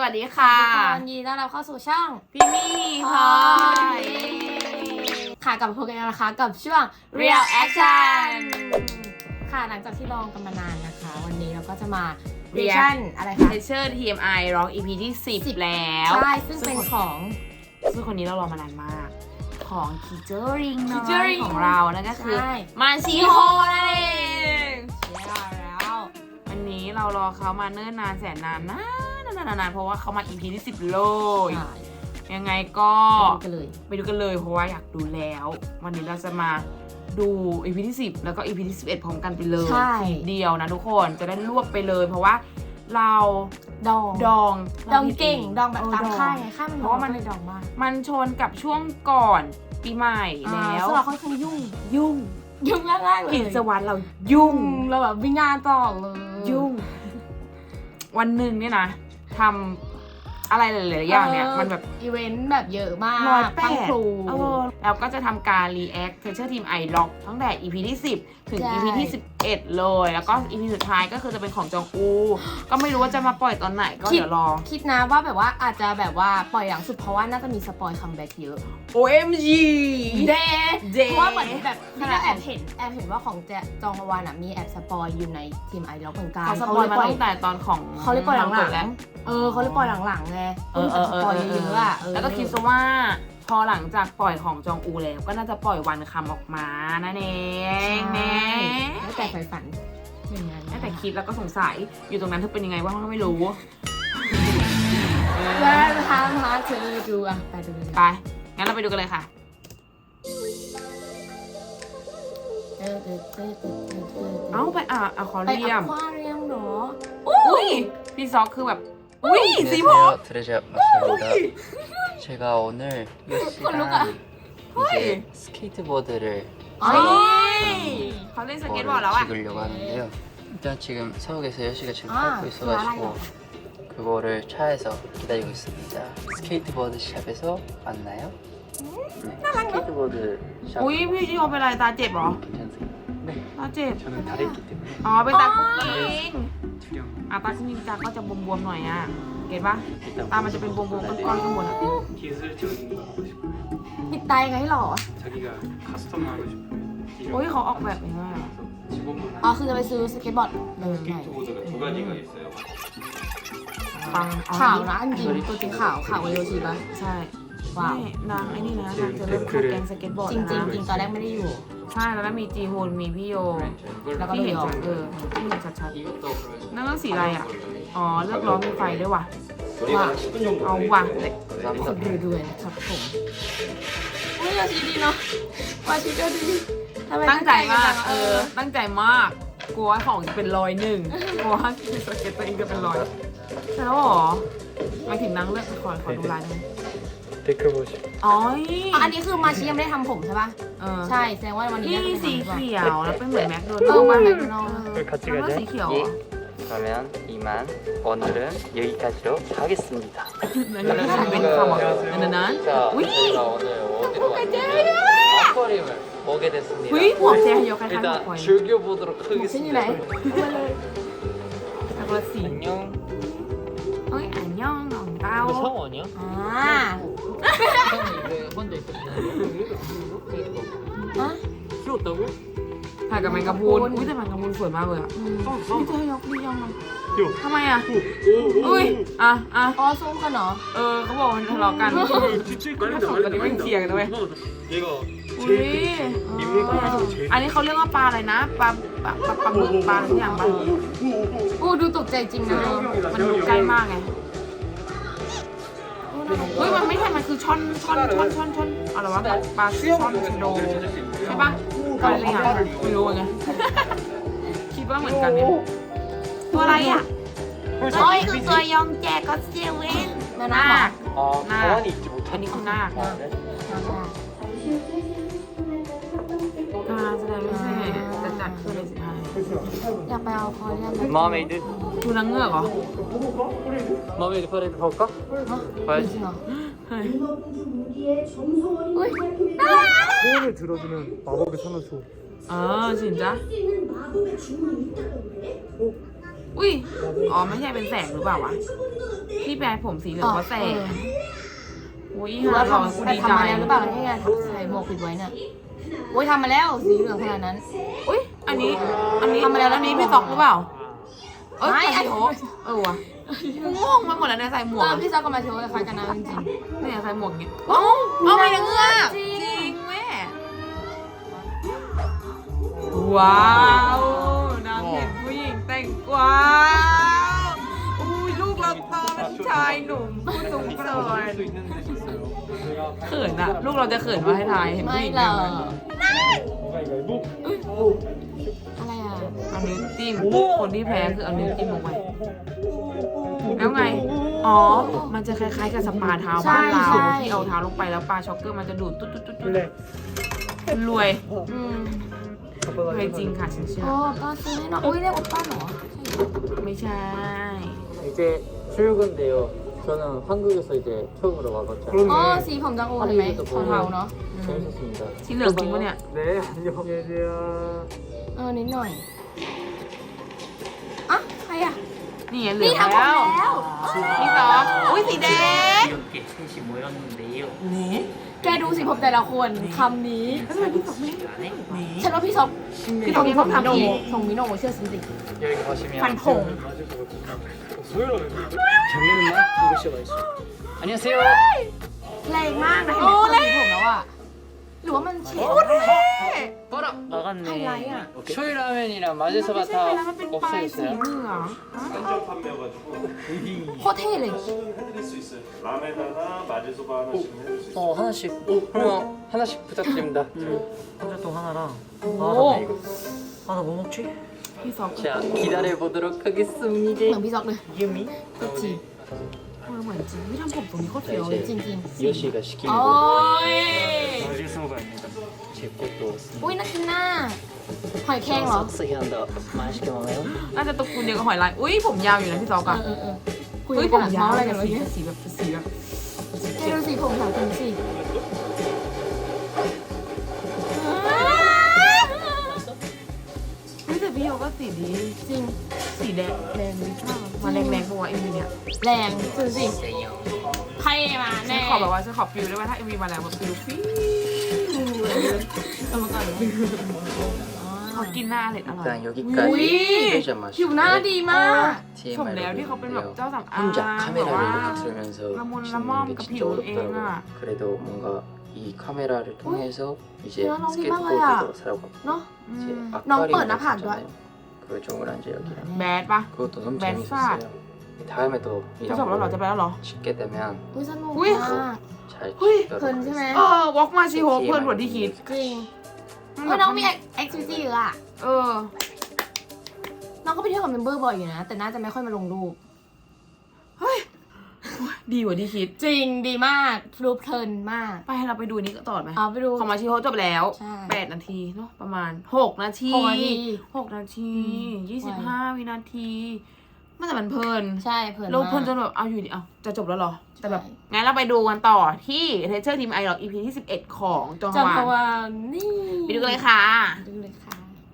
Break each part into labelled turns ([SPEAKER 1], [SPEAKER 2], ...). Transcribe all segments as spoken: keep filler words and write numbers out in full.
[SPEAKER 1] วัสดีค่ะ
[SPEAKER 2] ยินดีต้อนรับเข้าสู่ช่อง
[SPEAKER 1] พี่มี่พลอย
[SPEAKER 2] ค่ะกลับมาพบกันแล้วนะคะกับช่วง Real Action ค่ะหลังจากที่ลองกันมานานนะคะ วันนี้เราก็จะมา Reaction อะไรคะ
[SPEAKER 1] Teacher ที เอ็ม ไอ ร้อง อี พี ที่สิบแล้ว
[SPEAKER 2] ใช่ซึ่งเป็นของ
[SPEAKER 1] ซึ่งคนนี้เรารอมานานมากของ Teacher Ring น้อย
[SPEAKER 2] Teacher Ring
[SPEAKER 1] ของเรานั่นก็คือ
[SPEAKER 2] ใช่
[SPEAKER 1] มาชิโฮนั่นเอง
[SPEAKER 2] ใช่แล้ว
[SPEAKER 1] วันนี้เรารอเขามาเนิ่นนานแสนนานนานนานนานเพราะว่าเขามา อี พี ที่สิบเลย
[SPEAKER 2] ใช่
[SPEAKER 1] ยังไงก็
[SPEAKER 2] ไปดูกันเลย
[SPEAKER 1] ไปดูกันเลยเพราะว่าอยากดูแล้ว วันนี้เราจะมาดู อี พี ที่สิบแล้วก็ อี พี ที่สิบเอ็ดพร้อมกันไปเลย
[SPEAKER 2] ใช่
[SPEAKER 1] ทีเดียวนะทุกคนจะได้รวบไปเลย เพราะว่าเรา
[SPEAKER 2] ดอง
[SPEAKER 1] ดอง
[SPEAKER 2] ดองเก่งดองแบบ
[SPEAKER 1] เ
[SPEAKER 2] ตามค่ายไงค่ายมัน
[SPEAKER 1] เพราะว่ามัน
[SPEAKER 2] เลยดองมาก
[SPEAKER 1] มันชนกับช่วงก่อนปีใหม่แล้ว
[SPEAKER 2] ซึ่งเราค่อนข้างยุ่ง
[SPEAKER 1] ยุ่ง
[SPEAKER 2] ยุ่งแรกๆเลย
[SPEAKER 1] กิจวัตรเรายุ่ง
[SPEAKER 2] เราแบบวิ่งงานต่อเลย
[SPEAKER 1] ยุ่ง วันหนึ่งเนี่ยนะทำอะไรหลายๆอย่างเนี่ยมันแบบ
[SPEAKER 2] อีเวนต์แบบเยอะมาก
[SPEAKER 1] ร้อยแป
[SPEAKER 2] ทั้ง
[SPEAKER 1] ด
[SPEAKER 2] ครู
[SPEAKER 1] เออแล้วก็จะทำการ react Teacher Team I Lock ตั้งแต่ อี พี ที่สิบถึง
[SPEAKER 2] ใช่
[SPEAKER 1] อี พี ที่สิบเอ็ดเลย แล้วก็ อี พี สุดท้ายก็คือจะเป็นของจองอู ก็ไม่รู้ว่าจะมาปล่อยตอนไหนก็เดี๋ยวรอ
[SPEAKER 2] คิดนะว่าแบบว่าอาจจะแบบว่าปล่อยหลังสุดเพราะว่าน่าจะมีสปอยคัมแบ็กเยอะ
[SPEAKER 1] โอ เอ็ม จี
[SPEAKER 2] เด
[SPEAKER 1] เด
[SPEAKER 2] เพราะว่าเหมือนแบบนี่ก็แอบเห็นแอบเห็นว่าของแจจองฮวานอ่ะมีแอบสปอยอยู่ในทีมไอล็อกเหมือนกัน
[SPEAKER 1] เขาสปอยมาตั้งแต่ตอนของ
[SPEAKER 2] เขาเลยปล่อยหลัง
[SPEAKER 1] เปิดแล้ว
[SPEAKER 2] ๆเออเขาเลยปล่อยหลังๆไง
[SPEAKER 1] เออเออ
[SPEAKER 2] ส
[SPEAKER 1] เออ
[SPEAKER 2] ปอย
[SPEAKER 1] เอ
[SPEAKER 2] เย
[SPEAKER 1] อ
[SPEAKER 2] อะๆอ่ะเออ
[SPEAKER 1] แล้วก็คิดซะว่าพอหลังจากปล่อยของจองอูแล้วก็น่าจะปล่อยวันคำออกมานั่นเองแน่
[SPEAKER 2] แล้วแต่ใฝ่ฝันอย่างนั้น
[SPEAKER 1] แม้แต่คิดแล้วก็สงสัยอยู่ตรงนั้นเธอเป็นยังไงบ้างก็ไม่รู้
[SPEAKER 2] แล้วทำมาเธอดูอ่ะไปดูเลย
[SPEAKER 1] ไป งั้นเราไปดูกันเลยค่ะ
[SPEAKER 2] เออเออเออเออเออเออ
[SPEAKER 1] เอ้าไปอ่ะอะคอ
[SPEAKER 2] ไป
[SPEAKER 1] เรีย
[SPEAKER 2] อ
[SPEAKER 1] ม
[SPEAKER 2] ควาเรียมเหรอ
[SPEAKER 1] อุ้ยพี่ซอกคือแบบ อุ้ยสีผม
[SPEAKER 3] 안녕하세요, 드레자 맞습니다. 제가 오늘 몇
[SPEAKER 2] 콜로가.
[SPEAKER 3] 시간 이제 스케이트보드를
[SPEAKER 2] อ๋อ
[SPEAKER 1] เขาเล่นสเก็ตบอร์ดแล้ว
[SPEAKER 3] 그거를
[SPEAKER 1] อ่ะ
[SPEAKER 3] 찍으려고 하는데요. 일단 지금 서울에서 여시가 지금
[SPEAKER 2] 아,
[SPEAKER 3] 밟고
[SPEAKER 2] 그거
[SPEAKER 3] 있어가지고
[SPEAKER 2] 알아요.
[SPEAKER 3] 그거를 차에서 기다리고 있습니다. 스케이트보드 샵에서 만나요. 네, 스케이트보드 샵
[SPEAKER 1] อุ้ยพี่โยเป็นอะไรตาเจ็บเหรอ
[SPEAKER 3] 괜찮으세요? 네,
[SPEAKER 1] ตาเจ็บ
[SPEAKER 3] 저는 다리 있기 때문에
[SPEAKER 1] อ๋อเป็นตาคุกกิ้ง
[SPEAKER 3] 두려움.
[SPEAKER 1] อ่ะตาคุกกิ้งตาก็จะบวมๆหน่อยอ่ะเก็ตปะ
[SPEAKER 3] 일단
[SPEAKER 1] ตามันจะเป็นบวมๆก้อนๆข้างบนอ่ะ
[SPEAKER 4] 기술적인 거 하고 싶어요.
[SPEAKER 2] ปิดตายไงหรอ
[SPEAKER 4] 자기가 카스텀 하고 싶어요.
[SPEAKER 1] โอ้ยเขาออกแบบยังไงอ่ะ
[SPEAKER 4] 직원분
[SPEAKER 2] อ๋อคือจะไปซื้อสเก็ตบอร์ดเลยใหม่
[SPEAKER 4] 스케이트보드가 두 가지가 있어요.
[SPEAKER 1] ปังอ๋อ
[SPEAKER 2] ขาวนะอันจริงตัวจริงขาวขาวกว่าโยชิปะ
[SPEAKER 1] ใช่
[SPEAKER 2] ว้าว
[SPEAKER 1] นี่นางไอ้นี่นะนางจะเริ่มเข้าแกงสเก็ตบอร์ด
[SPEAKER 2] จริงจริง
[SPEAKER 1] แล้ว
[SPEAKER 2] จริง
[SPEAKER 1] นะ
[SPEAKER 2] ตอนแรกไม่ได้อยู่
[SPEAKER 1] ใช่แล้วมีจีฮุนมีพี่โย
[SPEAKER 2] แล้วก็
[SPEAKER 1] ที่เห็น
[SPEAKER 2] พี่โย
[SPEAKER 1] ชัดเออที่เห็นชัด
[SPEAKER 4] 이것도
[SPEAKER 1] ๆนั่นก็สีอะไรอ่ะ อ๋อเลือกล้อมีไฟด้วยว่ะ
[SPEAKER 2] ว้าว
[SPEAKER 4] 십 분 정도
[SPEAKER 1] เอาว่ะ
[SPEAKER 2] สุดรวยๆนะครับผมอุ้ยโยชิดีเนาะวาชิก็ดีทำไม
[SPEAKER 1] ตั้งใจมาก
[SPEAKER 2] จัง
[SPEAKER 1] เออ ตั้งใจมาก กลัวว่าของจะเป็นรอยหนึ่งกลัวว่าสเก็ตตัวเองจะเป็นรอยใช่แล้วเหรอหมายถึงนางเลือกขอขอดูลายได้ไหม
[SPEAKER 4] 데크 보시.
[SPEAKER 1] อ๋อ
[SPEAKER 2] อ๋ออันนี้คือมาชิยังไม่ได้ทำผมใช่ปะ
[SPEAKER 1] เออ
[SPEAKER 2] ใช่แสดงว่าวันนี้
[SPEAKER 1] นี่
[SPEAKER 2] น่าจะ
[SPEAKER 1] สี
[SPEAKER 2] เป็น
[SPEAKER 1] เขียวแล้วเป็นเหมือนแมคโดนั
[SPEAKER 2] เอ
[SPEAKER 1] ล
[SPEAKER 2] อ
[SPEAKER 1] ด์
[SPEAKER 2] มา
[SPEAKER 1] ป่ะ
[SPEAKER 2] แมคโดนัลด์
[SPEAKER 4] 같이
[SPEAKER 1] มันก็สีเขียวเหรอ
[SPEAKER 3] 그러면 이만 오늘은 여기까지로 하겠습니다.
[SPEAKER 1] นั่นก็คือเป็นคำว่านั่นนั้น
[SPEAKER 3] 자,
[SPEAKER 1] 우이!
[SPEAKER 3] 저희가 오늘 어디로 왔냐면 아쿠아리움을 오게 됐습니다.
[SPEAKER 1] เฮ้ยหัวเจ๊ยกคล้ายๆหัว
[SPEAKER 3] 일단
[SPEAKER 1] ควาย
[SPEAKER 3] 즐겨보도록
[SPEAKER 2] เส้นอยู่ไหน
[SPEAKER 3] 하겠습니다.
[SPEAKER 1] แต่คนละสี
[SPEAKER 3] 안녕.
[SPEAKER 1] เอ้ยอันยองของเต้า
[SPEAKER 3] 성우 아니야?
[SPEAKER 2] อ่า
[SPEAKER 3] 형이 이제 혼자 있었잖아.
[SPEAKER 2] ฮะ
[SPEAKER 4] 키웠다고요?
[SPEAKER 1] ถ่ายกับแมงกะพรุนอุ้ยแต่แมงกะพรุนสวยมากเลยอ่ะ
[SPEAKER 2] อืม
[SPEAKER 1] พี่เจ๊ยกดียังไง
[SPEAKER 4] 요.
[SPEAKER 1] ทำไมอ่ะ
[SPEAKER 4] 오, 오,
[SPEAKER 1] อุ้ย อ่ะอ่ะ
[SPEAKER 2] อ๋อสู้กันเหรอ
[SPEAKER 1] เออเขาบอกมันทะเลาะกัน
[SPEAKER 4] 뒷줄
[SPEAKER 1] 깔린다, 깔린다, 깔린다.
[SPEAKER 4] 얘가
[SPEAKER 1] อุ้ย
[SPEAKER 4] 인물가 중에서 제일
[SPEAKER 1] อันนี้เขาเรียกว่าปลาอะไรนะ ปลาปลาปลาปลาหมึกปลาอะไรสักอย่างปะ
[SPEAKER 2] อู้ดูตกใจจริงนะ
[SPEAKER 1] เออมันดูใกล้มากไง เฮ้ยมันไม่ใช่ มันคือช่อนช่อนช่อนช่อนช่อนอะไรวะปลาช่อนชะโดใช่ปะอะไรอย่างไม่รู้ไง คิดว่าเหมือนกันเนี่ยตัวอะไรอ่ะเฮ้ยคือตัวยองแจก็เซเว่น
[SPEAKER 2] มา
[SPEAKER 1] ห
[SPEAKER 2] นะ
[SPEAKER 1] น้า
[SPEAKER 2] หมอ
[SPEAKER 3] 아,
[SPEAKER 1] 나.
[SPEAKER 3] 가만히 있지
[SPEAKER 1] อันนี้
[SPEAKER 3] 못하니까.
[SPEAKER 1] คือหน้า
[SPEAKER 2] หน้า
[SPEAKER 1] การแสดงพิเศษจะจัดขึ้นในสิบห้า
[SPEAKER 2] อยากไปเอาคอเรียนไหม
[SPEAKER 3] 머메이드?
[SPEAKER 1] ดูนางเงือกเหรอ
[SPEAKER 3] 머메이드 퍼레이드 볼까?
[SPEAKER 2] จริงเหรอ
[SPEAKER 1] เฮ้ย
[SPEAKER 2] อุ้ย
[SPEAKER 4] 소원을 들어주는 마법의 산호초.
[SPEAKER 1] เออสินจ้ะ
[SPEAKER 4] 어?
[SPEAKER 1] อุ้ยอ๋อไม่ใช่เป็นแสงหรือเปล่าวะที่แปลผมสีเหลืองว่าแสงอุ้ย
[SPEAKER 2] หรือว่า
[SPEAKER 1] หา
[SPEAKER 2] ทำ
[SPEAKER 1] กู
[SPEAKER 2] แต่
[SPEAKER 1] ดี
[SPEAKER 2] ทำ
[SPEAKER 1] ใจ
[SPEAKER 2] มาแล้วหรือเปล่าที่ไงใส่หมวกปิดไว้เนี่ยโอ้ยทำมาแล้วสีเหลืองขนาดนั้น
[SPEAKER 1] อุ้ยอันนี้อันนี้
[SPEAKER 2] ทำมาแล้ว
[SPEAKER 1] อันนี้พี่ซอกหรือเปล่าเอ้ย
[SPEAKER 2] ไม่
[SPEAKER 1] อันนี้โหเออวะกูงงมาหมดแล้วเนี่ยใส่หมว
[SPEAKER 2] เอก อพี่ซอกกับมาโชว์คล้ายกันนะจริง
[SPEAKER 1] เนี่ยใส่หมวกอย่างเงี้ยเอ้าเอาไปยังเงือก
[SPEAKER 2] จริง
[SPEAKER 1] จริงแม่ว้าวน้ำเห็นผู้หญิงแต่งกวาวอุ้ยลูกเราโตเป็นชายหนุ่มผู้สูงเกินเขินอะลูกเราจะเขินว่าให้ทายเห็น
[SPEAKER 2] ๆ
[SPEAKER 1] ผู้
[SPEAKER 2] ไม่
[SPEAKER 1] หญิง
[SPEAKER 2] หร
[SPEAKER 1] แต่
[SPEAKER 2] อง
[SPEAKER 1] กวาว
[SPEAKER 2] อะไรอ่ะ
[SPEAKER 1] เอานิ้วจิ้มคนที่แพ้คือเอานิ้วจิ้มลงไปแล้วไงอ๋อมันจะคล้ายๆกับสปาเท้าบ้านเราที่เอาเท้าลงไปแล้วปลาช็อกเกอร์มันจะดูดตุ๊ดตุ๊ดตุ๊ดตุ๊ดรวย
[SPEAKER 2] อืม
[SPEAKER 1] รวยจริงค่ะฉันเชื่อ
[SPEAKER 2] โอ้ก็ซื้อให้หน่อยอุ้ยเรียกโอป้าเหรอ
[SPEAKER 1] ไม่ใช่
[SPEAKER 3] 이제 출근돼요. 저는 한국에서 이제 처음으로 와봤잖아요.
[SPEAKER 2] อ๋อสีผมจังโอเห็นไหมเทาๆเนาะ
[SPEAKER 3] 재밌었습니다.
[SPEAKER 1] สีเหลืองจริงปะเนี่ย
[SPEAKER 4] 네 안녕 안녕하세요
[SPEAKER 2] เออนิดหน่อยอ่ะใครอ่ะ
[SPEAKER 1] นี่ไงเหลื
[SPEAKER 2] นี่
[SPEAKER 1] อง
[SPEAKER 2] ทำผม
[SPEAKER 1] แล้ว
[SPEAKER 2] แล้ว
[SPEAKER 1] พี่ซอฟอุ้ยสีแดง
[SPEAKER 3] 이렇게 셋이 모였는데요.
[SPEAKER 2] แกดูสิผมแต่ละคนคำนี้
[SPEAKER 1] แล้วทำไมพี่ซอฟไม่
[SPEAKER 3] 안에
[SPEAKER 2] ฉันว่าพี่ซอกพี่ซอก
[SPEAKER 1] พี่
[SPEAKER 2] ส่
[SPEAKER 1] ซอก
[SPEAKER 2] งมิโน
[SPEAKER 1] ทำอีก
[SPEAKER 2] ส่งมิโนเชื่อฉันสิ
[SPEAKER 3] 여기 보시면
[SPEAKER 2] ฟันผง
[SPEAKER 3] 작년에만 이거 씨가 있어요. 안녕하세요.
[SPEAKER 2] แรงมากนะเห็นไหมคนสีผมแล้วอ่ะหรือว่ามันเฉด
[SPEAKER 3] 어라 나갔네.
[SPEAKER 2] 하이라이야.
[SPEAKER 3] 쇼이라면이랑
[SPEAKER 1] ไม่ใช่
[SPEAKER 3] 마제소바
[SPEAKER 1] ไปแล้วมัน
[SPEAKER 3] 다
[SPEAKER 1] เป็นปลายสี
[SPEAKER 3] 없어졌어요.
[SPEAKER 1] เหลือง
[SPEAKER 4] 한정 판매여가지고
[SPEAKER 2] โคตรเท่เลย
[SPEAKER 4] 해드릴 수 있어요 라멘하나 마제소바 하나씩 해줄 수 있어요
[SPEAKER 3] 어 하나씩. 오 그러면 하나씩 부탁드립니다.
[SPEAKER 5] 감자똥 하나랑
[SPEAKER 2] 오.
[SPEAKER 5] 아, 나 이거. 아, 나 뭐 먹지?
[SPEAKER 1] พี่ซอฟ
[SPEAKER 3] 자 기다려 보도록
[SPEAKER 2] เหมือน
[SPEAKER 3] 하겠습니다.
[SPEAKER 2] พี่ซอกเลย
[SPEAKER 5] 이음이?
[SPEAKER 2] ก็จริง
[SPEAKER 1] เออเหมือนจริงพี่ทำผมตรงนี้โคตร
[SPEAKER 3] 자
[SPEAKER 1] เฟี้ยวเลย
[SPEAKER 2] จริง
[SPEAKER 3] 이제
[SPEAKER 2] จริง
[SPEAKER 3] 이호 씨가 시킨
[SPEAKER 2] โอ้
[SPEAKER 3] 거
[SPEAKER 2] ย
[SPEAKER 5] 마지소바입니다.
[SPEAKER 3] 제 것도
[SPEAKER 2] อุ้ยน่ากินน่าหอยแครงเหรอ
[SPEAKER 3] 싹싹이 한다. 맛있게 먹어요.
[SPEAKER 1] น่าจะตระกูลเดียวกับหอยลายอุ้ยผมยาวอยู่นะพี่ซอฟ
[SPEAKER 2] เอ
[SPEAKER 1] อะ
[SPEAKER 2] อเออเออคุย
[SPEAKER 1] อุ้ยผ
[SPEAKER 2] กัน
[SPEAKER 1] ม
[SPEAKER 2] อะ
[SPEAKER 1] ยาว
[SPEAKER 2] เมาส์อะไร
[SPEAKER 1] อะไร
[SPEAKER 2] กั
[SPEAKER 1] กัน น
[SPEAKER 2] วะ
[SPEAKER 1] สี
[SPEAKER 2] เนี่ย
[SPEAKER 1] สีแบบสีแบบ
[SPEAKER 2] แกดูสีผมสาวคุณสิ
[SPEAKER 1] เฮ้ยแต่พี่โยก็สีดี
[SPEAKER 2] จริง
[SPEAKER 1] สีแดงแดงดีมากมาแรงแรงๆปะวะเอ็มวีเนี่ย
[SPEAKER 2] แรงดูสิใครมา
[SPEAKER 1] ฉัน
[SPEAKER 2] แน่
[SPEAKER 1] ขอแบบว่าฉันขอฟิลได้ว่าถ้าเอ็มวีมาแล้วแบบฟิลฟิลเอามาก่อนเลยเขากินหน้าอร่อยอร่อย
[SPEAKER 3] 일단
[SPEAKER 2] อุ้ย
[SPEAKER 3] 여기까지
[SPEAKER 2] ผิวหน้าดีมาก
[SPEAKER 1] สมแล้วที่เขาเป็นแบบ
[SPEAKER 3] 티엠아이를
[SPEAKER 1] เจ้าสำอาง
[SPEAKER 3] 혼자
[SPEAKER 1] แบบว่า
[SPEAKER 3] 카메라를 이렇게 들으면서
[SPEAKER 1] 라몬,
[SPEAKER 3] 찍는
[SPEAKER 1] 라몬
[SPEAKER 3] 게
[SPEAKER 1] 그
[SPEAKER 3] 진짜
[SPEAKER 1] 비율
[SPEAKER 3] 어렵더라고요.
[SPEAKER 1] 애가.
[SPEAKER 3] 그래도 뭔가 이 카메라를 통해서 이제
[SPEAKER 2] 야, 너무
[SPEAKER 3] 스케이트보드도
[SPEAKER 2] 민망해요.
[SPEAKER 3] 사러 가고
[SPEAKER 2] เนาะ
[SPEAKER 1] อื
[SPEAKER 3] 이제
[SPEAKER 1] ม
[SPEAKER 2] 너무
[SPEAKER 3] 아쿠아리움
[SPEAKER 2] 뻔하다,
[SPEAKER 3] 있었잖아요. 그 조그란지역이랑
[SPEAKER 1] แบดปะ
[SPEAKER 3] 그것도 너무
[SPEAKER 1] 맨
[SPEAKER 3] 재밌었어요. 다음에 또
[SPEAKER 1] เขาจบแล้วเหรอ
[SPEAKER 3] 이런
[SPEAKER 1] จะไป
[SPEAKER 3] 걸
[SPEAKER 1] แล้วเหรอ
[SPEAKER 3] 찍게 되면
[SPEAKER 2] อุ้ยสนุก
[SPEAKER 1] อุ้ย
[SPEAKER 2] มาก
[SPEAKER 3] 잘
[SPEAKER 1] hui,
[SPEAKER 3] 찍도록
[SPEAKER 2] เพลินใช่ไหม
[SPEAKER 3] 하겠습니다.
[SPEAKER 1] เออวอล์กมาชีโฮเพื่อนกว่าที่คิด
[SPEAKER 2] จริงเฮ้ยน้องมีแอคทิวิตี้เยอะอะ
[SPEAKER 1] เออ
[SPEAKER 2] น้องก็ไปเที่ยวกับเมมเบอร์บ่อยอยู่นะ แต่น่าจะไม่ค่อยมาลงรูป
[SPEAKER 1] ดีกว่าที่คิด
[SPEAKER 2] จริงดีมากรูปเพลินมาก
[SPEAKER 1] ไปให้เราไปดูนี้ก็ต่อไหม
[SPEAKER 2] เอาไปดู
[SPEAKER 1] ของมาชีโฮจบแล้ว
[SPEAKER 2] ใช่
[SPEAKER 1] แปดนาทีเนาะประมาณหกนาที
[SPEAKER 2] หกนาที
[SPEAKER 1] หกนาที
[SPEAKER 2] อืม
[SPEAKER 1] ยี่สิบห้าวินาทีมันแต่มันเพลิน
[SPEAKER 2] ใช่เพลิน
[SPEAKER 1] เรา
[SPEAKER 2] มาก
[SPEAKER 1] เพลินจนแบบเอาอยู่ดิเอาจะจบแล้วเหรอ แต่แบบ
[SPEAKER 2] ใช่
[SPEAKER 1] งั้นเราไปดูกันต่อที่เทเชอร์ทีมไอหรอก อี พี ที่สิบเอ็ดของจองฮ
[SPEAKER 2] จัง
[SPEAKER 1] วา
[SPEAKER 2] พ
[SPEAKER 1] น
[SPEAKER 2] วานนี่
[SPEAKER 1] ไปดูกันเลยค่ะ
[SPEAKER 2] ดูเลยค่ะ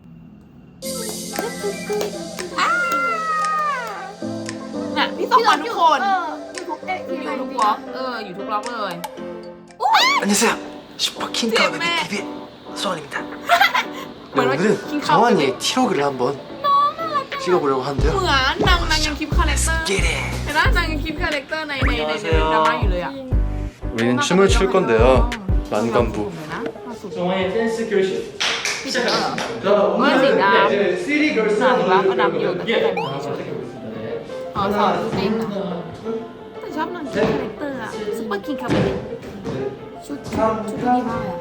[SPEAKER 1] เนี่ยพี่สองคนทุกคน
[SPEAKER 2] เอออยู่ทุกเอ๊ะ
[SPEAKER 1] อยู่ทุกบล็อกเอออยู่ทุกบล็อกเลย
[SPEAKER 5] 안녕하세요. 슈퍼킹 가운데
[SPEAKER 2] 네.
[SPEAKER 5] 티비의 소원입니다. 네,
[SPEAKER 1] 뭐라
[SPEAKER 5] 오늘은
[SPEAKER 1] 킹
[SPEAKER 5] 정환이의 티로그를 한번 찍어보려고
[SPEAKER 1] เห
[SPEAKER 5] 하는데요.
[SPEAKER 1] มือนนางนางยังคลิปคาแรคเตอร์
[SPEAKER 5] 끼리.
[SPEAKER 1] เห็นไหมนางยังคลิปคาแรคเตอร์ในในในในดราม่าอยู่เลยอ่ะ
[SPEAKER 5] 우리는 춤을 출 건데요. 만관부.
[SPEAKER 4] 정화의 댄스 교실
[SPEAKER 1] พี่เจอเหรอเมื่อสีดำ
[SPEAKER 4] 쓰리 걸스
[SPEAKER 1] หนาหรือว่าก็ดำอยู่แต่แค่ใส่หมวกเฉย
[SPEAKER 2] อ๋อสอนเต้นเหรอ
[SPEAKER 1] แต่ชอบนางคลิปคาแรคเตอร์อะซุปเปอร์คิงคาเบเน
[SPEAKER 2] ชุดชุดชุดดีมากเลย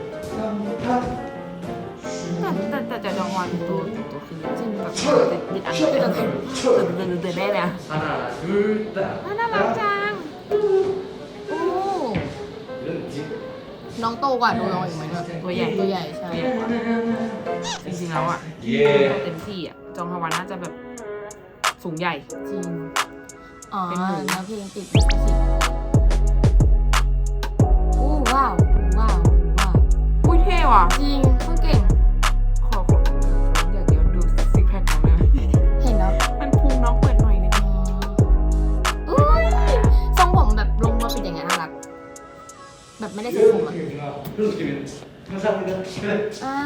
[SPEAKER 2] อะ
[SPEAKER 1] แต่แต่แต่จองฮวานตัวตัวคือจริงแบบติดอันเดินเดินเดินเดินได้เลยอะ
[SPEAKER 4] 하나 둘셋
[SPEAKER 1] น่ารักจัง
[SPEAKER 2] โอ้น้องโตกว่าดูน้องอีกไหมเนี่ย
[SPEAKER 1] ตัวใหญ่
[SPEAKER 2] ตัวใหญ่ใช่
[SPEAKER 1] จริงๆแล้วอ่ะ
[SPEAKER 4] 예
[SPEAKER 1] เต็มที่อ่ะจองฮวานน่าจะแบบสูงใหญ่
[SPEAKER 2] จริง อ๋อ
[SPEAKER 1] เป็นหมู
[SPEAKER 2] เนื้อเพลงติดลิขสิทธิ์โอ้ว้าว ว้าว ว้าว
[SPEAKER 1] อุ้ยเท่ว่ะ
[SPEAKER 2] จริงโคตรเก่ง
[SPEAKER 1] ขอขออยากเดี๋ยวดูซิกแพคของนะ
[SPEAKER 2] เห็นแล้ว
[SPEAKER 1] มันพู
[SPEAKER 2] แบบไม่ได้เซ็ตผมอ่ะอ่า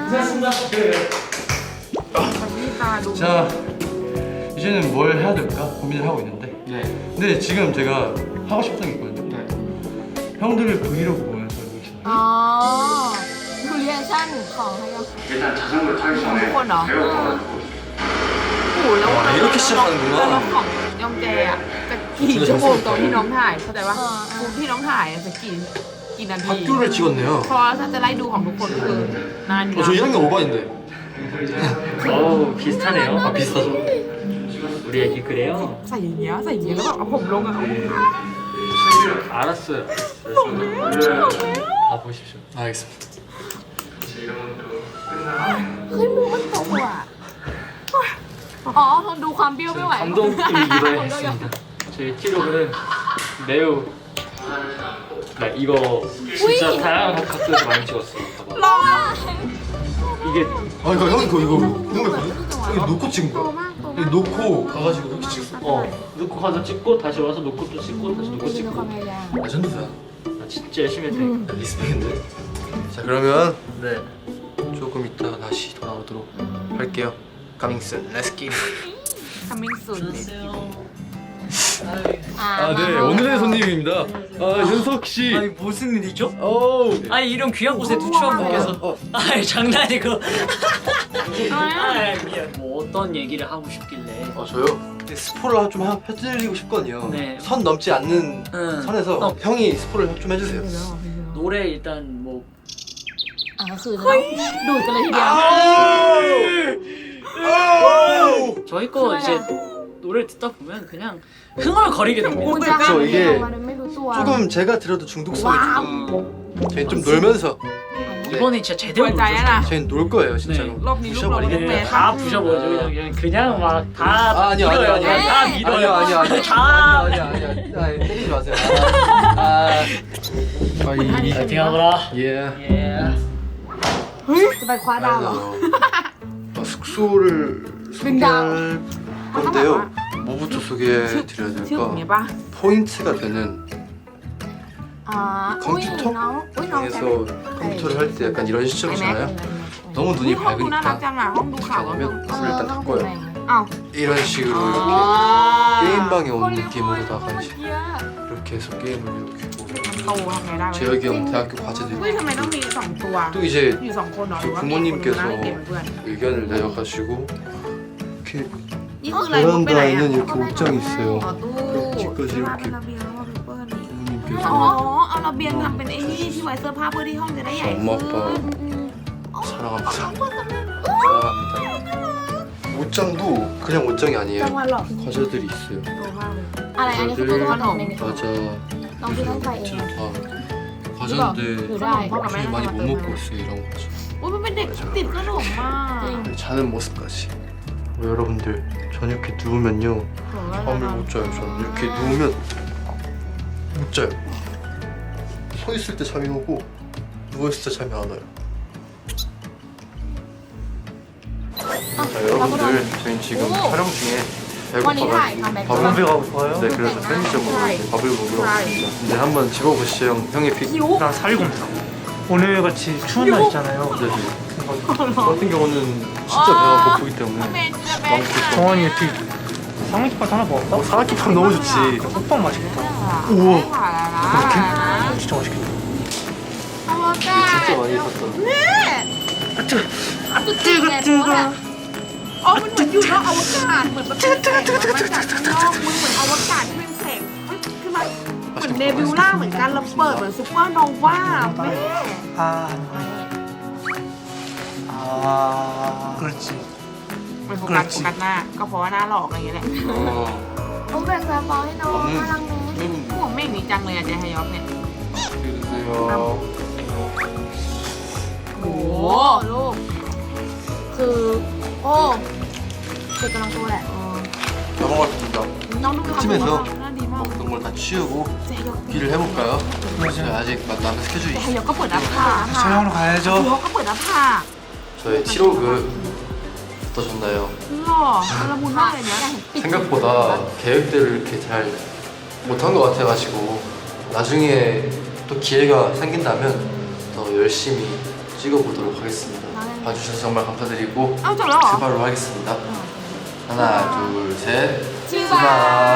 [SPEAKER 1] นี่ตาดู
[SPEAKER 5] 자, 이제는 뭘 해야 될까 고민을 하고 있는데.
[SPEAKER 3] 네.
[SPEAKER 5] 근데 지금 제가 하고 싶은 게 있거든요.
[SPEAKER 3] 네.
[SPEAKER 5] 형들을 브이로그 보면서 리액션.
[SPEAKER 2] อ๋อดูเรียชั่นของให้ยอง
[SPEAKER 4] 일단 자전거 타기
[SPEAKER 1] ทุกคนเหรอ
[SPEAKER 4] 배워가지고
[SPEAKER 1] โอ้โหแล้ว
[SPEAKER 5] อ่า 이렇게 시작하는구나
[SPEAKER 1] แล้วของยองแจอ่ะจะกี่ชั่วโมงตอนที่น้องถ่ายเข้าใจปะคูที่น้องถ่ายอะจะกี่กี่นาที
[SPEAKER 5] 학교를 찍었네요.
[SPEAKER 1] เพราะถ้าจะไล่ดูของทุกคนก็คือนานอยู่
[SPEAKER 5] 어, 저
[SPEAKER 1] นะ
[SPEAKER 5] 일 학년 오 반인데.
[SPEAKER 3] 어우 비슷하네요.
[SPEAKER 5] 아, 비슷하죠?
[SPEAKER 3] 우리 애기 그래요?
[SPEAKER 1] ใส่อย่างเงี้ยใส่อย่างเงี้ยแล้วแบบเอาผมลงอะเอา
[SPEAKER 3] 알았어요. 다 보십시오.
[SPEAKER 5] 알겠습니다.
[SPEAKER 2] เฮ้ยมูมันโตอ่ะอ๋อทนดูความเบี้ยวไม่ไหว
[SPEAKER 3] 감동팀이 이번에 했습니다. 저희 티록은 매우 나 이거 진짜 다양한 각도에서 많이 찍었어요. 봐봐.
[SPEAKER 1] ลองอะ
[SPEAKER 3] 이게
[SPEAKER 5] 아, 이거 형 이거 이거 궁금했거든. 여기 놓고 찍은
[SPEAKER 2] โต
[SPEAKER 5] 거야.
[SPEAKER 2] มากโต
[SPEAKER 5] 여기
[SPEAKER 2] มาก
[SPEAKER 5] 놓고 가가지고 이렇게 찍었어.
[SPEAKER 3] 어 놓고 가서 찍고 다시 와서 놓고 또 찍고 다시 놓고
[SPEAKER 2] ดูความ
[SPEAKER 3] 찍고.
[SPEAKER 2] พยายาม
[SPEAKER 5] 레전드다.
[SPEAKER 3] 나 진짜 열심히 했다니까.
[SPEAKER 5] 리스펙인데. 자 그러면
[SPEAKER 3] 네.
[SPEAKER 5] 조금 이따가 다시 돌아오도록 할게요. 가밍슨, 렛츠기.
[SPEAKER 1] คำมิ่งสุด
[SPEAKER 2] อ่า
[SPEAKER 5] 아, 네, 오늘의 손님입니다. 아, 윤석 씨.
[SPEAKER 6] 아니 무슨 일이죠?
[SPEAKER 5] 어우.
[SPEAKER 6] 아니 이런 귀한 곳에 누추한 분께서 아이 장난이고 아이 미안 뭐 어떤 얘기를 하고 싶길래
[SPEAKER 5] 아, 저요? 스포를 좀 하- 해드리고 싶거든요.
[SPEAKER 6] 네.
[SPEAKER 5] 선 넘지 않는
[SPEAKER 6] 응.
[SPEAKER 5] 선에서
[SPEAKER 6] 어.
[SPEAKER 5] 형이 스포를 좀 해주세요.
[SPEAKER 6] 노래 일단 뭐
[SPEAKER 2] อ่าก็คือจะต้องดูดกันเลยทีเดียว
[SPEAKER 6] 저희 거 이제 노래를 듣다 보면 그냥 흥얼거리게
[SPEAKER 2] คุ
[SPEAKER 6] 됩니다
[SPEAKER 2] ณจะห้าม
[SPEAKER 5] 저
[SPEAKER 2] ไม่
[SPEAKER 5] 이게
[SPEAKER 2] ออกมาโดยไม่รู้ตัว
[SPEAKER 5] 조금 제가 들어도 중독성이 조금 저희 좀 놀면서
[SPEAKER 6] 이번에 진짜
[SPEAKER 1] หั
[SPEAKER 6] 제대로
[SPEAKER 1] วใจอะนะ
[SPEAKER 6] 부르셨어요.
[SPEAKER 5] 저희 놀 거예요 진짜로.
[SPEAKER 1] รอบนี้ลูกเรา
[SPEAKER 5] 부셔버리게.
[SPEAKER 1] ลูกแม่
[SPEAKER 6] 네, 다 부셔버려요 그냥 그냥 막다
[SPEAKER 5] 아, 아니요, 아니요, 아니요.
[SPEAKER 6] 다
[SPEAKER 5] 아니요,
[SPEAKER 6] 밀어요
[SPEAKER 5] 아니요, 아니요.
[SPEAKER 6] 다
[SPEAKER 5] 아니요, 아니요, 아니요. 아, 때리지 마세요. 아, 아, 이, 이,
[SPEAKER 6] 파이팅 하거라
[SPEAKER 5] 예.
[SPEAKER 6] 예
[SPEAKER 2] จะไปคว้าดาวเหรอ
[SPEAKER 5] 아, 숙소를 소개할 건데요. 뭐부터
[SPEAKER 1] ชื่อ
[SPEAKER 5] 소개해
[SPEAKER 1] ชื่อ
[SPEAKER 5] 드려야
[SPEAKER 1] อย่างเงี้ย
[SPEAKER 5] 될까?
[SPEAKER 1] ป่ะ
[SPEAKER 5] 포인트가 되는
[SPEAKER 2] อ่าอุ้ย
[SPEAKER 5] 컴퓨터
[SPEAKER 2] น้องอุ้ยน้องใช่
[SPEAKER 5] 에서 컴퓨터를 할 때 약간 이런
[SPEAKER 2] ไอแม็ก
[SPEAKER 5] 시점이잖아요.
[SPEAKER 2] เลย
[SPEAKER 5] 너무
[SPEAKER 1] นี่
[SPEAKER 5] 눈이
[SPEAKER 1] ห้องดูน่ารัก
[SPEAKER 5] 밝으니까
[SPEAKER 1] จังอ่ะห้องดูข่าวว่า
[SPEAKER 5] 그러면
[SPEAKER 2] เอ
[SPEAKER 5] 불을
[SPEAKER 2] อ
[SPEAKER 5] 일단
[SPEAKER 2] ต้อง
[SPEAKER 5] 닦고요.
[SPEAKER 2] แบ่ง
[SPEAKER 1] อ้าว
[SPEAKER 5] 이런 식으로
[SPEAKER 1] อ๋อ
[SPEAKER 5] 이렇게 게임방에 온
[SPEAKER 2] คนรีวิว
[SPEAKER 5] 느낌으로다가
[SPEAKER 2] เมื่อ
[SPEAKER 5] 이제
[SPEAKER 2] กี้อะ
[SPEAKER 5] 이렇게 해서 게임을 이렇게 보고
[SPEAKER 1] โตทำไงได้วะ
[SPEAKER 5] 재혁이 형 대학교 과제도
[SPEAKER 1] เฮ้ย
[SPEAKER 5] 있고
[SPEAKER 1] ทำไมต้องมีสองตัว
[SPEAKER 5] 또 이제
[SPEAKER 1] อยู่สองคนเหรอหรือว่า
[SPEAKER 5] 그
[SPEAKER 1] มีคนหนึ่ง
[SPEAKER 5] 부모님께서
[SPEAKER 1] นั่งเล่นเกมเป็นเพื่อน
[SPEAKER 5] 의견을 내려가시고 이렇게
[SPEAKER 1] นี่คืออะไรมุดไปไหน
[SPEAKER 5] 베란다에는
[SPEAKER 1] อ่ะ
[SPEAKER 5] 이렇게 옷장이 있어요.
[SPEAKER 1] อ๋อตู้
[SPEAKER 5] 집까지
[SPEAKER 1] ที่ว่า
[SPEAKER 5] 이렇게
[SPEAKER 1] เป็นระเบียงแล้วว่าเป็นเปิ้ลนี่
[SPEAKER 5] 부모님께서
[SPEAKER 1] อ๋อเอาระเบียงทำเป็นไอ้นี่ที่ไว้เสื้อผ้าเพื่อที่ห้องจะได้ใหญ่
[SPEAKER 5] 엄마
[SPEAKER 1] ขึ้น
[SPEAKER 5] 아빠 사랑합니다. 사랑합니다. 옷장도 그냥 옷장이
[SPEAKER 2] จัง
[SPEAKER 5] 아니에요.
[SPEAKER 2] หวะหลอก
[SPEAKER 5] 과자들이 있어요.
[SPEAKER 1] โตมากเลย
[SPEAKER 2] อะไรอันนี้คือตัวขนมเอง
[SPEAKER 5] 과자
[SPEAKER 2] ต้องที่ต้องใส่เอง
[SPEAKER 5] 다 과자인데
[SPEAKER 2] 이거
[SPEAKER 1] 다.
[SPEAKER 5] 요즘에 많이 못 먹고 있어요 이런 과자.
[SPEAKER 1] อุ้ยมันเป็นเด็กติดขนมมาก
[SPEAKER 5] 자는 모습까지. 여러분들 저는 이렇게 누우면요 잠을 못 자요. 저는 이렇게 누우면 못 자요. 서 있을 때 잠이 오고 누워 있을 때 잠이 안 와요. 자 여러분들 저희 지금
[SPEAKER 2] 오.
[SPEAKER 5] 촬영 중에
[SPEAKER 2] วันนี้ถ่าย
[SPEAKER 5] 배고파가지고
[SPEAKER 2] ทำแบ็ค
[SPEAKER 5] 밥을
[SPEAKER 6] 가고 싶어요?
[SPEAKER 5] 네 그래서 편의점으로 밥을 먹으러 왔습니다. 이제 한번 집어보시죠 형. 형의 픽.
[SPEAKER 6] 나 사리곰탕 오늘 같이 추운 날 있잖아요
[SPEAKER 5] 네. 저 같은 경우는 진짜 배가 고프기 때문에
[SPEAKER 1] เมนจะแบก
[SPEAKER 6] 정원이 어떻게 삼각김밥 하나 먹을까?
[SPEAKER 5] 어, 사각김밥 너무 좋지.
[SPEAKER 6] 호빵 맛있겠다
[SPEAKER 1] อ้ว
[SPEAKER 6] 진짜 맛있겠다
[SPEAKER 1] อวกาศ
[SPEAKER 5] 진짜 많이 샀잖아.
[SPEAKER 2] ตุดจีนไงเพราะแบบ
[SPEAKER 1] อ๋อมันเหมือนอยู่นอกอวกาศเหมือนมันเป็นแสงมาจากข้างนอกมึงเหมือนอวกาศที่เป็นแสงเฮ้ยคือมันเหมือนเนบิวล่าเหมือนกันแล้วเปิดเหมือนซูเปอร์โนวาแม่
[SPEAKER 6] 아, 아, 그렇지.
[SPEAKER 1] มันโฟกัสโฟกัสหน้าก็เพราะว่าหน้าหลอกอะไรอย่างเงี้ยแหละ
[SPEAKER 5] 어,
[SPEAKER 2] ต้องแบ่งซาบอให้น้องกำลังนู้น
[SPEAKER 5] 음,
[SPEAKER 1] หัวเม่งนี่จังเลยอะเจฮยอกเนี่ย
[SPEAKER 5] 드세요.
[SPEAKER 1] โอ้โห
[SPEAKER 2] ลูก คือ โอ้เด็กกำลังโตแหละ
[SPEAKER 5] 다 먹었습니다.
[SPEAKER 1] น้องดูความ
[SPEAKER 5] 팀에서
[SPEAKER 1] น่าดีมาก
[SPEAKER 5] 먹던 걸 다 치우고
[SPEAKER 1] เจฮยอก
[SPEAKER 5] 일을 해볼까요? 저희 아직 남은 스케줄이
[SPEAKER 1] เจฮ
[SPEAKER 5] 있어요.
[SPEAKER 1] ยอกก็เปิดหน้าผาก
[SPEAKER 6] 촬영하러 가야죠.
[SPEAKER 1] เขาก็เปิดหน้าผาก
[SPEAKER 5] 저의 칠호그 어떠셨나요?
[SPEAKER 1] หล่อละมุนมากเลยเนี่ย
[SPEAKER 5] 생각보다 계획대로 이렇게 잘 못한 것 같아가지고 나중에 또 기회가 생긴다면 더 열심히 찍어보도록 하겠습니다. 봐주셔서 정말 감사드리고
[SPEAKER 1] เอ้าจบแล้วเหรอ
[SPEAKER 5] 출발로 하겠습니다. 하나, 둘, 셋.
[SPEAKER 2] 출발.
[SPEAKER 5] 출발.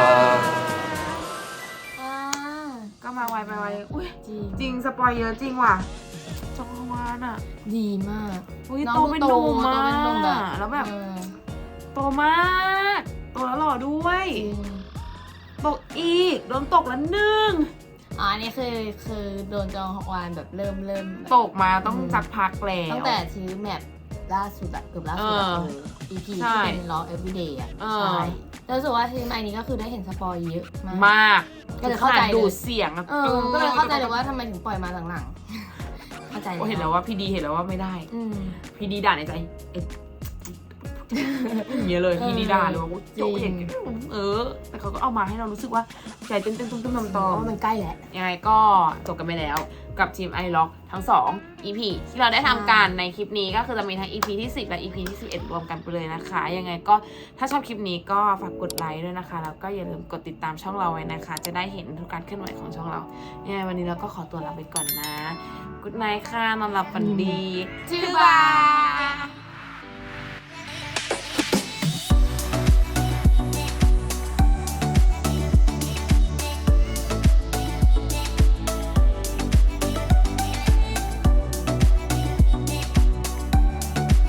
[SPEAKER 2] อ่า
[SPEAKER 1] ก็มาไวไปไวอุ้ย
[SPEAKER 2] จริง
[SPEAKER 1] จริงสปอยเยอะจริงว่ะจองวานอ่ะ
[SPEAKER 2] ดีมาก
[SPEAKER 1] อุ้ย
[SPEAKER 2] น้อง
[SPEAKER 1] โตเป็นหนุ่ม
[SPEAKER 2] โต
[SPEAKER 1] มา
[SPEAKER 2] เป็นหนุ่มแบบ
[SPEAKER 1] แล้วแบบ
[SPEAKER 2] เออ
[SPEAKER 1] โตมากโตแล้วหล่อด้วย
[SPEAKER 2] จริง
[SPEAKER 1] ตกอีกโดนตกแล้วหนึ่ง
[SPEAKER 2] อ๋ออันนี้คือคือโดนจองฮอกวานแบบเริ่มเริ่มแบบ
[SPEAKER 1] ตกมาต้องสักพักแล้ว
[SPEAKER 2] ตั้งแต่ซื้อแมปล่าสุดอะเกือบล่าสุดอะ
[SPEAKER 1] เออ
[SPEAKER 2] เออ อี พี
[SPEAKER 1] ใช่
[SPEAKER 2] ที่เป็น Log Everyday อะ
[SPEAKER 1] เออ
[SPEAKER 2] ใช่แล้วรู้สึกว่าทีมไอนี้ก็คือได้เห็นสปอยเยอะมาก
[SPEAKER 1] มาก
[SPEAKER 2] ก็เลยเข้าใจ
[SPEAKER 1] ขนด
[SPEAKER 2] เลย
[SPEAKER 1] ดูดเสียงอะ
[SPEAKER 2] เออก็เลยเข้าใจเลยว่าทำไมถึงปล่อยมาหลังๆเข้าใจ
[SPEAKER 1] โอ้เห็นแล้วว่าพี่ดีเห็นแล้วว่าไม่ได้
[SPEAKER 2] อืม
[SPEAKER 1] พี่ดีด่าในใจเอ๊ะอย่างเงี้ยเลยพี่ดีด่าเลยว่า
[SPEAKER 2] จริง
[SPEAKER 1] โจ๊กอย่างเงี้ยเออ แต่เขาก็เอามาให้เรารู้สึกว่าใจเต้นเต้นตุ้มตุ้มตอม
[SPEAKER 2] เพ
[SPEAKER 1] ตอ
[SPEAKER 2] ราะ
[SPEAKER 1] ม
[SPEAKER 2] ว่ามันใกล้แล้ว
[SPEAKER 1] ยังไงก็จบกันไปแล้วกับทีมไอล็อกทั้งสอง อี พี ที่เราได้ทำการในคลิปนี้ก็คือจะมีทั้ง อี พี ที่สิบและ อี พี ที่สิบเอ็ดรวมกันไปเลยนะคะ ยังไงก็ถ้าชอบคลิปนี้ก็ฝากกดไลค์ด้วยนะคะ แล้วก็อย่าลืมกดติดตามช่องเราไว้นะคะ จะได้เห็นทุกการเคลื่อนไหวของช่องเรา ยังไงวันนี้เราก็ขอตัวลาไปก่อนนะกุ๊ดไนท์ค่ะนอนหลับฝันดี
[SPEAKER 2] บ๊ายบาย